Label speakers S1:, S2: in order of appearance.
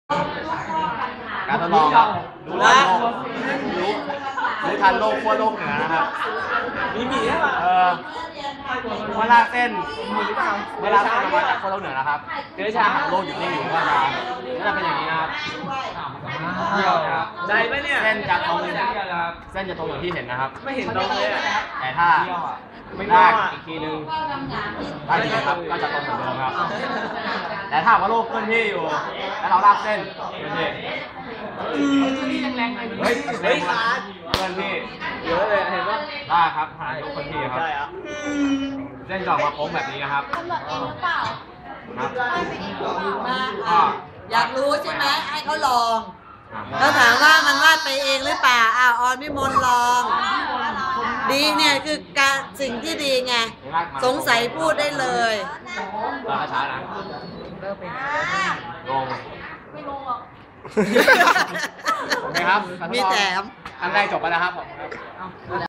S1: การทดลองครับรู้ทันโลกรู้ทันโลกขั้วโลกเหนือนะครับ
S2: มีหมีใช่ป่ะ
S1: เมื่อลากเส้นออกมาจากขั้วโลกเหนือนะครับเชื้อชาของโลกหยุดนิ่งอยู่ก็จะเป็นอย่างนี้นะครับ
S2: ได้ไหมเนี่ย
S1: เส้นจะตรงอย่างที่เห็นนะครับ
S2: ไม่เห็นตรงเลย
S1: แต่ถ้าลากอีกทีนึงลากอีกทีครับก็จะตรงเหมือนเดิมครับแต่ถ้าว่าโลกเคลื่อนที่อยู่แล้วเราลากเส้นเคลื่อนที่เฮ้ยเคลื่อนที่
S2: เยอะเลยเห็นป่ะ
S1: ลากครับหาโลกเคลื่อนที่ครับเส้นจะออกมาโค้งแบบนี้นะครับ
S3: กำหนดเองหรือเปล่า
S1: ก็
S4: อยากรู้ใช่ไหมให้เขาลองแล้วถามว่ามันวาดไปเองหรือเปล่าออนพิมลลองดีเนี่ยคือการสิ่งที่ดีไงสงสัยพูดได้เลย
S1: เราช้านะลง
S3: ไม่ลงหรอก
S1: โอเคครับ
S4: มีแถม
S1: อันแรกจบไปแล้วครับผม